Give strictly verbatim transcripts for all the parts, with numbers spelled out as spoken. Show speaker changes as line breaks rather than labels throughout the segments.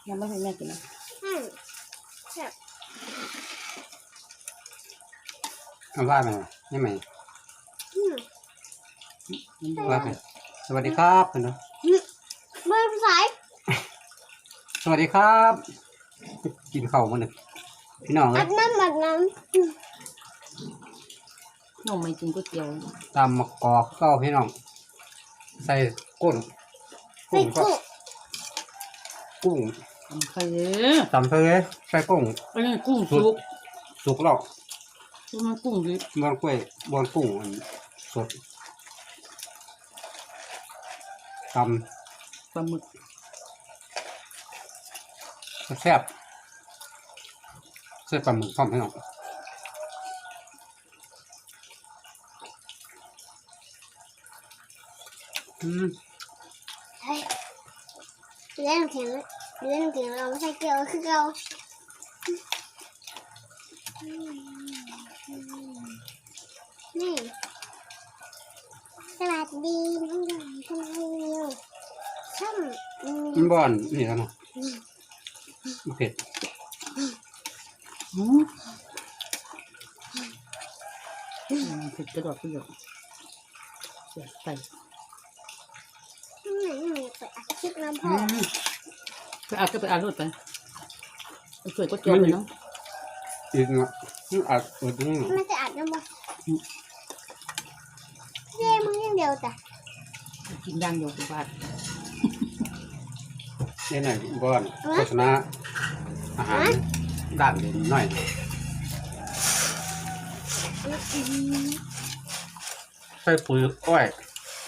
ยังไม่ให้แม่กินนะ
อืมแซ่บ
เอาว่าไหมนี่ไหม
อืม
ว่าไหมสวัสดีครับเนาะ
เบอร์สาย
สวัสดีครับกินข้าวมาหนึ่งพี่น้องเล
อั
ย
ดน้ำอัดน้ำ
น้องไม่กินก๋วยเตี๋ยว
ตำมะกอกเก้าพี่น้องใส่กุ้ง
ใส่
กุ้งก็
กุ้ง
กุ้ง
ทำใครเอ้ย
ตำทะเลใส่กุ้ง
อันนี้กุ้งสุก
สุกแล้ว
มันกุ้งดิบบ
อนกล้วยบอนกุ้งอันสดต
ปลาหมึก
ำแซ่บใส่ปลาหมึกพร้อมพี่น้องอืม
เฮ้ยเล่นน้ำแข็งเล่นน้ำแข็งเราไม่ใช่เกลียวคือเรานี่สวัสดีน้องหยองทำไมเร็วช่ำอืม
มันบอนนี่แล้วเนาะเผ็ด
อืมอืมเผ็ดกระดอกกระดอกเสียไป
ข้างในมันเปิดอัดคลิปน้ำพ่
อื
อ
ม
ไปอาบก็ไปอาบรถไปเอาสวยก๋วยเตี๋ยวไปเนาะ
อีกเนาะมันอัดอุดนี่เนาะ
มันจะอัดน้ำบ่เย้มึงยังเดียวจ้ะ
กินย่างเดียวกูบาด
นี่หน่อยบอนโฆษณาอาหารด่านเด่นหน่อยใส่ปุ๋ยอ้อย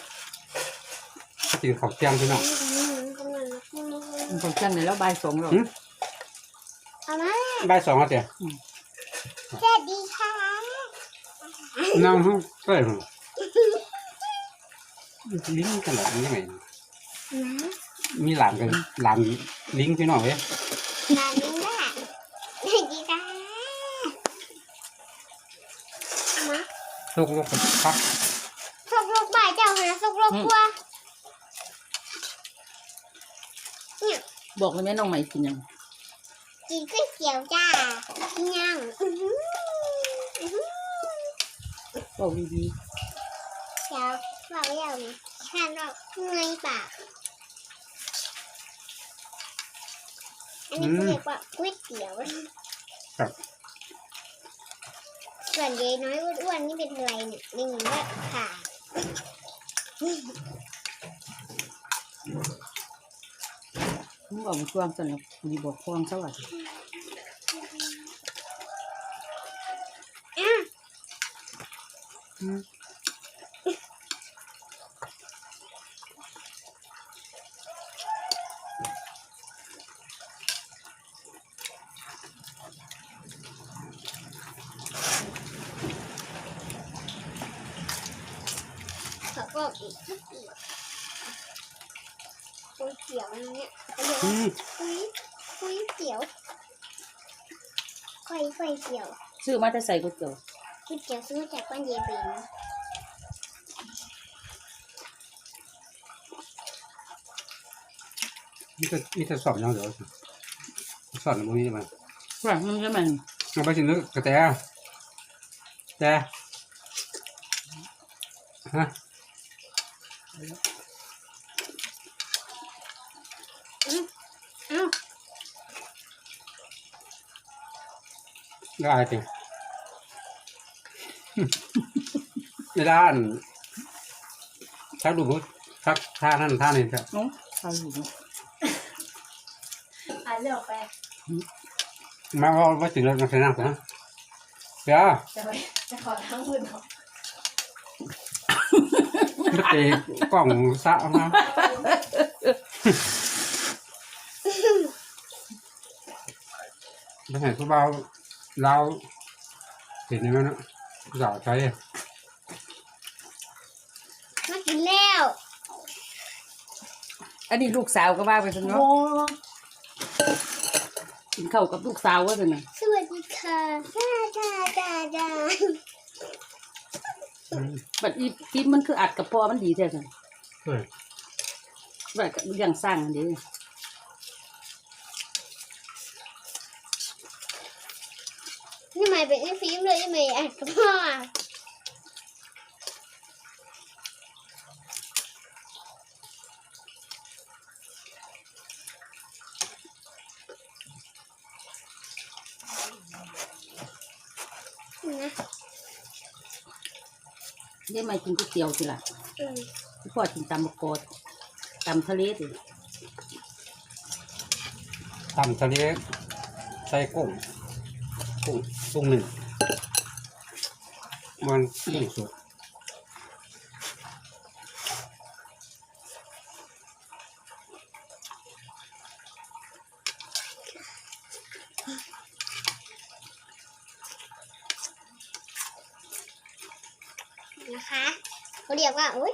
กินข้าวเที่ยงพี่น้อง
มันต้องจังไหนแล้วใบายสองแล้ว
เอามา
บ่ายสองแล้วเจ้ะ
สวัสดีค่ะ
นั่งห้องใกล้หรอลิงกันเหรอมันยังไง
นะ
มีหลานกันหลานลิงพี่น้องเว้ย
นานนึงละสวัสดีค่ะมา
ลูกลูกพัก
สกโลกบ่ายเจ้าหาสกโลกกลัวเนี่ย
บอกเลยแม่น้องใหม่กินยัง
กินก๋วยเตี๋ยวจ้ากินยังอื้อหืออื้อหือ
บอกดี
เดี๋ยวเราเรียกนี่ฉันเราเงยปากอันนี้เขาเรียกว่าก๋วยเตี๋ยว
ครับ
ส่วนยายน้อยอ้วนๆนี่เป็นอะไรเนี่ยนี่เหมือนว่าขา
ๆมึงบอกมันควงสั่นแล้วกูดีบอกควงซะว่า
อ่ะ
อืม
ขอบอกอีกก๋วยเตี๋ยวก๋วยเตี๋ยวเนี่ยเขาเรียก
อื
ว่าม ก๋วยก๋วยเตี๋ยวก๋วยก๋วยเตี๋ยว
ซื้อมาจะใส่ก๋วยเตี๋ยว
ก๋วยเตี๋ยวซื้อมาจากบ้านเยายเบน
นี่จะนี่จะสอบยังเดี๋ยวสอบในมือนี่มัน
ว่ามันจะมัน
เอาไปชิมนึกกระแตแต่ฮะ
เอ้า
ได้จริงในด้านชักดูมุดชักท่านั่นท่านี่ครับ
น้องใส่อยู่เนาะ
อ่ะเลือกไป
มาว่าว่าถึงแล้วมาใส่น้ำก่อนนะเดี๋ยว
จะไปจะขอทั้งมือหรอ
ไม่ตีกล่องสะออกมาไม่เห็นผู้เบาเราเห็นไหมนะสาวใช้
มากินแล้ว
อันนี้ลูกสาวก็ว่าไปซะเนาะกินข้าวกับลูกสาวว่าเป็นไง
สวัสดีค่ะจ้าจ้าจ้าจ้า
บัดอีที่มันคืออัดกับพอมันดีแท้จัง
เฮ้ย
บัดก็อย่างสร้างอันนี้
ม่เป็นไอ้ฟิล์มเลยยังไงอ่ะกับพ่อนะ
เดี๋ยวมากินก๋วยเตี๋ยวสิล่ะ
อืม
พี่พ่อกินตำมะกอกตำทะเลสิ
ตำทะเลใส่กุ้งกุ้งกุ้งหนึ่งมันกุ้งสด
นะคะเขาเรียกว่าอุ้ย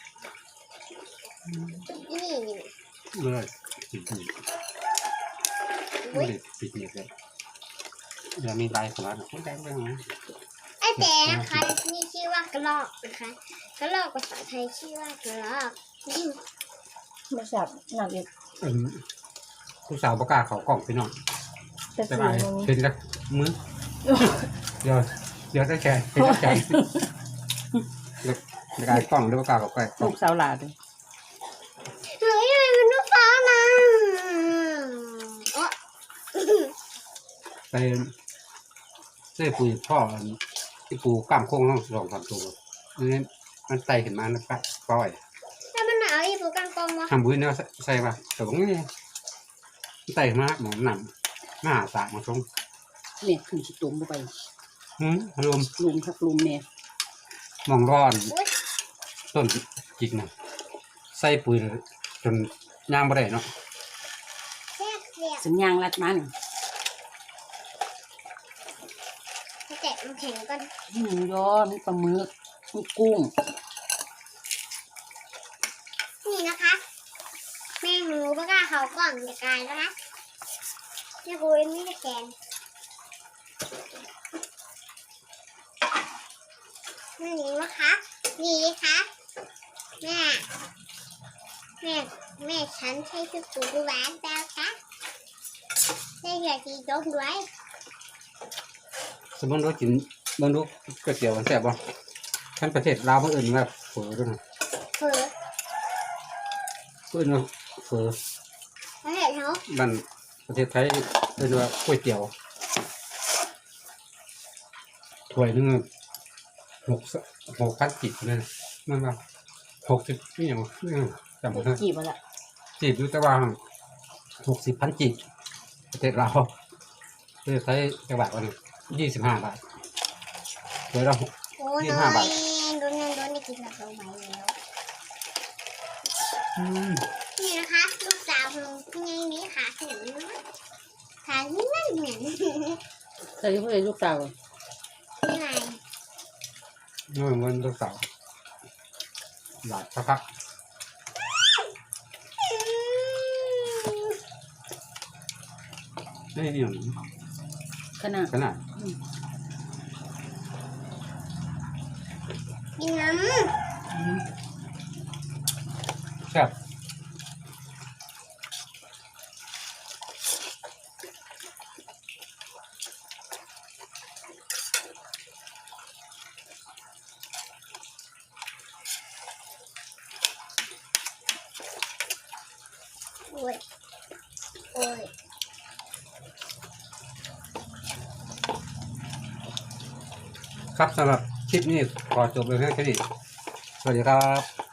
นี่นี่
เลยปิดหนีบ
อุ้ย
ปิดหนีบเลยเดี๋ยวมีลายของเราไม่ได้ไม่ได้
ไอ้แต่นะคะนี่ชื่อว่ากระรอกนะคะกระรอกภาษาไทยชื่อว่ากระรอกนี่
ไม่ทราบหนักเด็ก
อืมผู้สาวประกล้าศเขากล่องพี่น้อง
แต่
แต่
สี
ไป
มัน
เป็นกับมือเดี๋ยวเดี๋ยวจะแชร์เป็นจะแชร์เดี๋ยวจะกลายกล้องหรือประกล้าศเขาใกล้กล้
ลู
อง
กสาวหลานเลย
เฮ้ยมันเป็นลูกฟ้านะโอ๊ะ
ไปเสื้อปุ๋ยพ่ออันที่ปูกล้ามโค้งต้องสองสามตัวนี่มันไต่ขึ้นมาแล้วก็ปล่อย
ถ้ามันหนาวอีปูกังกองวะ
ทำบุญเนี่ยใส่ป่ะแต่ตรงนี้ไต่ขึ้นมาหมอนหนำหน้าสากมาชง
เนี่ยขึ้นชิตุ่มเข้าไป
หืมรวม
ลุมครับลุมเนี่ย
มองร้อน
อุ้ย
ต้นจิกนะใส่ปุ๋ยจนย่างบ่ได้เนาะ
แซ่บเสียบ
สัญญาณรัดมัน
แตะมันแข็งก่อน
มีหมูยอมีปลาหมึกมีกุ้ง
นี่นะคะแม่หนูปากกาเขากล่องจะกลายแล้วนะนี่กูไม่ได้แกนนี่นะคะนี่ค่ะแม่แม่แม่ฉันใช้ชุดปูดูแหวนแปลค่ะได้เหลือกี่ยกด้วย
สมมติว่ากินเบิ่งดูก๋วยเตี๋ยวมันแซ่บบ่ท่านประเทศลาวเพิ่นเอิ้นว่าเฝอด้วยนะ
เผือ
เพิ่นว่าเฝอ
แล้วเห็นเขา
บ้านประเทศไทยเอิ้นว่าก๋วยเตี๋ยวถ้วยหนึงหกหกพันจิบเลยนะนั่นว่าหกสิบนี่หยังนี่หยังจำบ่ได้
จีบมาละ
จีบอยู่แต่ว่าหกสิบพันจีบประเทศเราวประเทศไทยจังหวัดวันยี่สิบห้าบาทเดี๋ยวเรา
โอ้ย
ยี่
โด
สิบห้าบาท
นโดนโดนนี่กินแบบลงไปแล้ว
อืม
นี่นะคะลูกสาวของยังนี้ขาขนมขาที่นั่นเหมือน
เคยพูดเลยลูกสาว
นี่ไง
นี่มันวันลูกสาวหลายสักพักนี่นี่
ขนาด
ขนาด
กินน้
แซ่บ
ำโอ้ยโอ้ย
ครับสำหรับคลิปนี้ขอจบเลยแค่นี้สวัสดีครับ